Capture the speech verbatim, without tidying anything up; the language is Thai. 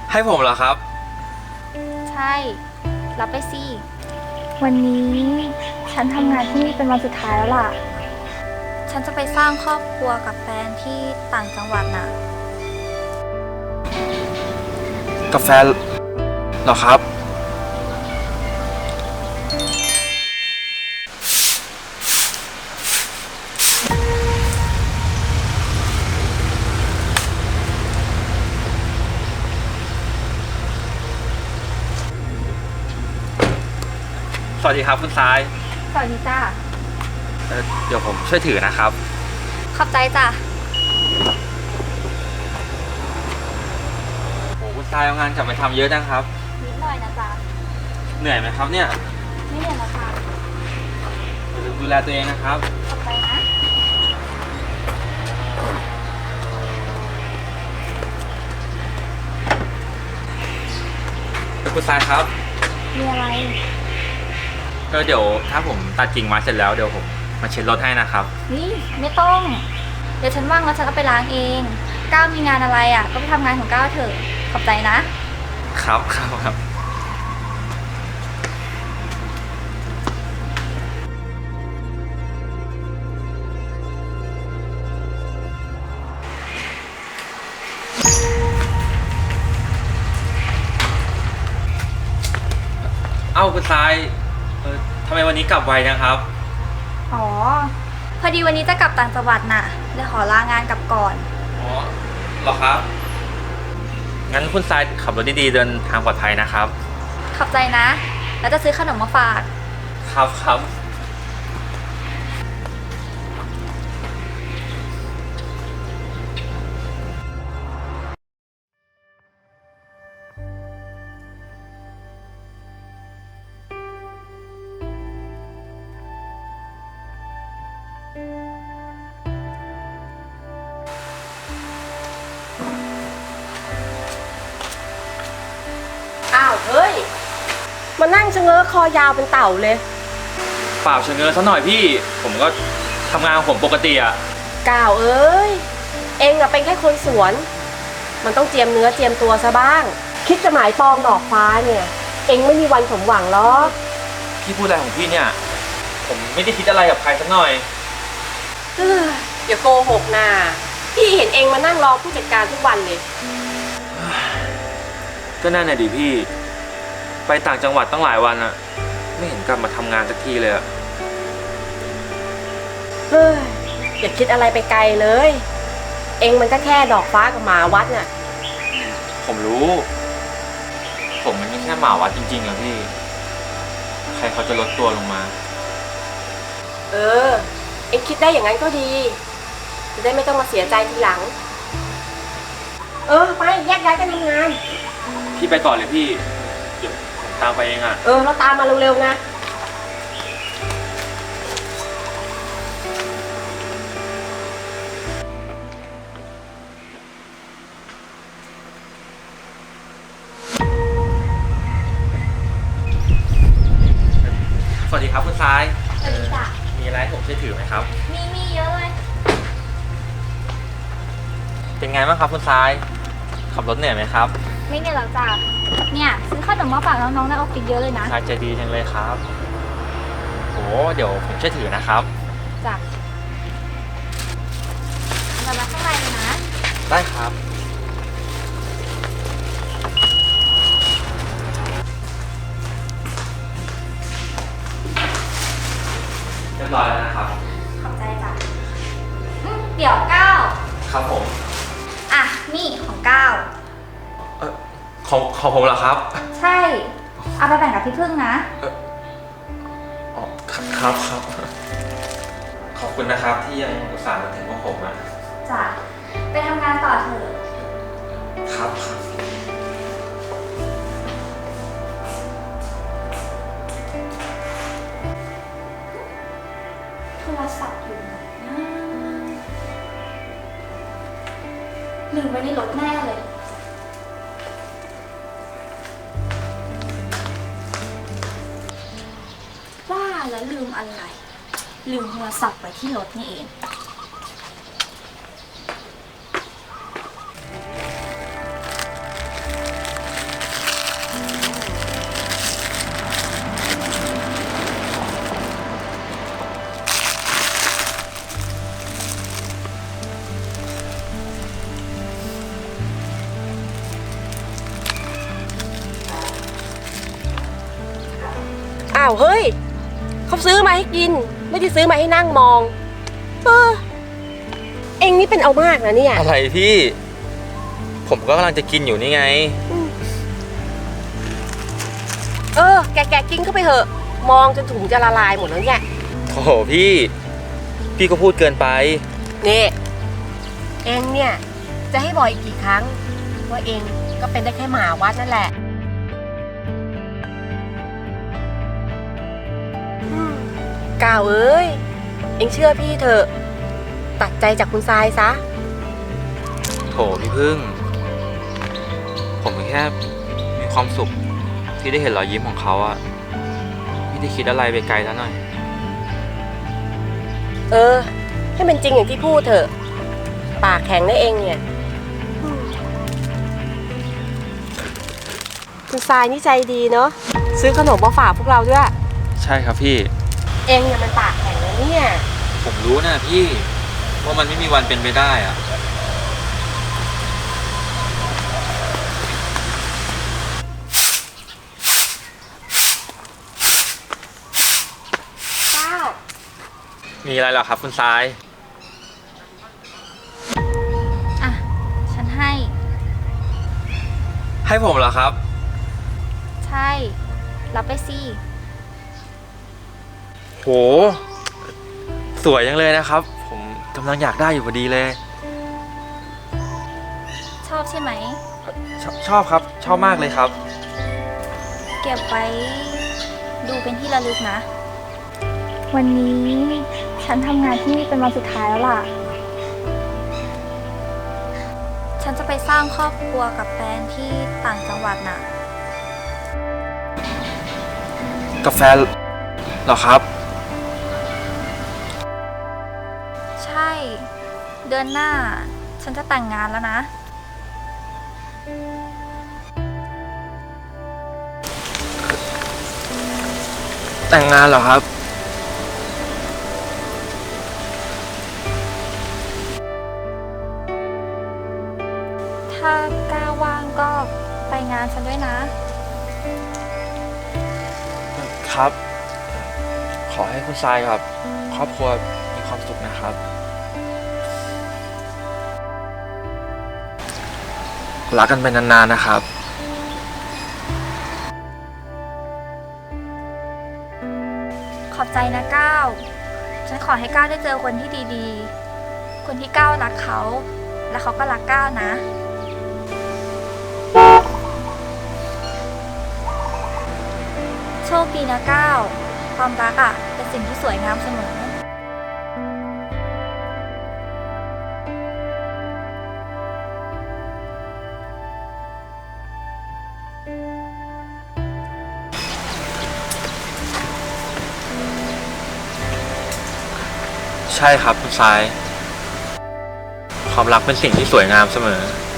ให้ผมเหรอครับใช่รับไปสิวันนี้ฉันทำงานที่นี่เป็นวันสุดท้ายแล้วล่ะฉันจะไปสร้างครอบครัวกับแฟนที่ต่างจังหวัดน่ะกาแฟเหรอครับสวัสดีครับคุณทรายสวัสดีจ้าเเดี๋ยวผมช่วยถือนะครับขอบใจจ้ะโอ้คุณทรายเอางานกลับไปทำเยอะนะครับนิดหน่อยนะจ๊ะเหนื่อยไหมครับเนี่ยไม่เหนื่อยหรอกค่ะดูแลตัวเองนะครับขอบใจนะคุณทรายครับมีอะไรก็เดี๋ยวถ้าผมตัดกิ่งไม้เสร็จแล้วเดี๋ยวผมมาเช็ดรถให้นะครับนี่ไม่ต้องเดี๋ยวฉันว่างแล้วฉันก็ไปล้างเองก้าวมีงานอะไรอ่ะก็ไปทำงานของก้าวเถอะขอบใจนะครับครับครับเอ้าคุณทรายเออทำไมวันนี้กลับไวนะครับอ๋อพอดีวันนี้จะกลับต่างจังหวัดน่ะเลยขอลางานกลับก่อนอ๋อเหรอครับงั้นคุณทรายขับรถดีๆเดินทางปลอดภัยนะครับขอบใจนะแล้วจะซื้อขนมมาฝากครับครับอ้าวเฮ้ยมานั่งชะเง้อคอยาวเป็นเต่าเลยเปล่าเชิงเงินซะหน่อยพี่ผมก็ทำงานของผมปกติอะก้าวเอ้ยเองอะเป็นแค่คนสวนมันต้องเจียมเนื้อเจียมตัวซะบ้างคิดจะหมายปองดอกฟ้าเนี่ยเองไม่มีวันสมหวังหรอกพี่พูดอะไรของพี่เนี่ยผมไม่ได้คิดอะไรกับใครสักหน่อยเฮ้ยอย่าโกหกนะพี่เห็นเองมานั่งรอผู้จัดการทุกวันเลยก็นั่นน่ะดิพี่ไปต่างจังหวัดตั้งหลายวันอะไม่เห็นกลับมาทำงานสักทีเลยอะเฮ้ยอย่าคิดอะไรไปไกลเลยเองมันก็แค่ดอกฟ้ากับหมาวัดน่ะผมรู้ผมมันไม่แค่หมาวัดจริงๆอะพี่ใครเขาจะลดตัวลงมาเออเองคิดได้อย่างนั้นก็ดีจะได้ไม่ต้องมาเสียใจทีหลังเออไปแยกย้ายกันทำงานพี่ไปก่อนเลยพี่เดี๋ยวผมตามไปเองอะเออเราตามมาเร็วๆนะสวัสดีครับคุณทรายสวัสดีจ้ะมีอะไรผมช่วยถือไหมครับมีมีเยอะเลยเป็นไงบ้างครับคุณทรายขับรถเหนื่อยไหมครับไม่เหนื่อยหรอกจ้ะเนี่ยซื้อขนมมาฝากน้องๆในออฟฟิศเยอะเลยนะทรายใจดีจังเลยครับโอ้เดี๋ยวผมช่วยถือนะครับจ้ะเรามาข้างในเลยนะได้ครับเรียบร้อยแล้วนะครับขอบใจจ้ะเดี๋ยวก้าวครับผมอ่ะนี่ของก้าวเออของของผมเหรอครับใช่เอาไปแบ่งกับพี่พึ่งนะเอออ๋อครับครับขอบคุณนะครับที่ยังอุตส่าห์มาถึงพวกผมอ่ะจ้ะไปทำงานต่อเถอะครับครับโทรศัพท์อยู่ไหนนะลืมไว้ในรถแน่เลยว่าแล้วลืมอะไรลืมโทรศัพท์ไว้ที่รถนี่เองอ้าวเฮ้ยเขาซื้อมาให้กิน ไม่ได้ซื้อมาให้นั่งมองเออเองนี่เป็นเอามากนะเนี่ยอะไรพี่ ผมก็กำลังจะกินอยู่นี่ไงเออแกแกกินเข้าไปเถอะ มองจนถุงจะละลายหมดแล้วเนี่ยโอ้โหพี่ พี่ก็พูดเกินไปนี่เองเนี่ยจะให้บอกอีกกี่ครั้งว่าเองก็เป็นได้แค่หมาวัดนั่นแหละอืมก้าวเอ้ยเองเชื่อพี่เถอะตัดใจจากคุณทรายซะโถพี่พึ่ง ผมแค่มีความสุขที่ได้เห็นรอยยิ้มของเขาอะไม่ได้คิดอะไรไปไกลแล้วหน่อยเออให้มันจริงอย่างที่พูดเถอะปากแข็งได้เองเนี่ยอืมคุณทรายนี่ใจดีเนาะซื้อขนมมาฝากพวกเราด้วยใช่ครับพี่เองเนี่ยมันปากแข็งนะเนี่ยผมรู้นะพี่ว่ามันไม่มีวันเป็นไปได้อะก้าวมีอะไรเหรอครับคุณทรายอ่ะ ฉันให้ให้ผมเหรอครับใช่ รับไปสิโห สวยจังเลยนะครับ ผมกำลังอยากได้อยู่พอดีเลยชอบใช่ไหมชอบชอบครับ ชอบมากเลยครับเก็บไว้ดูเป็นที่ระลึกนะ วันนี้ฉันทำงานที่นี่เป็นวันสุดท้ายแล้วล่ะ ฉันจะไปสร้างครอบครัวกับแฟนที่ต่างจังหวัดน่ะกาแฟเหรอครับใช่ เดือนหน้า ฉันจะแต่งงานแล้วนะแต่งงานเหรอครับถ้ากล้าว่างก็ไปงานฉันด้วยนะครับ ขอให้คุณทรายกับครอบครัวมีความสุขนะครับ รักกันไปนานๆนะครับขอบใจนะก้าว ฉันขอให้ก้าวได้เจอคนที่ดีๆ คนที่ก้าวรักเขา และเขาก็รักก้าวนะ โชคดีนะก้าว ความรักอ่ะ เป็นสิ่งที่สวยงามเสมอใช่ครับคุณทราย ความรักเป็นสิ่งที่สวยงามเสมอ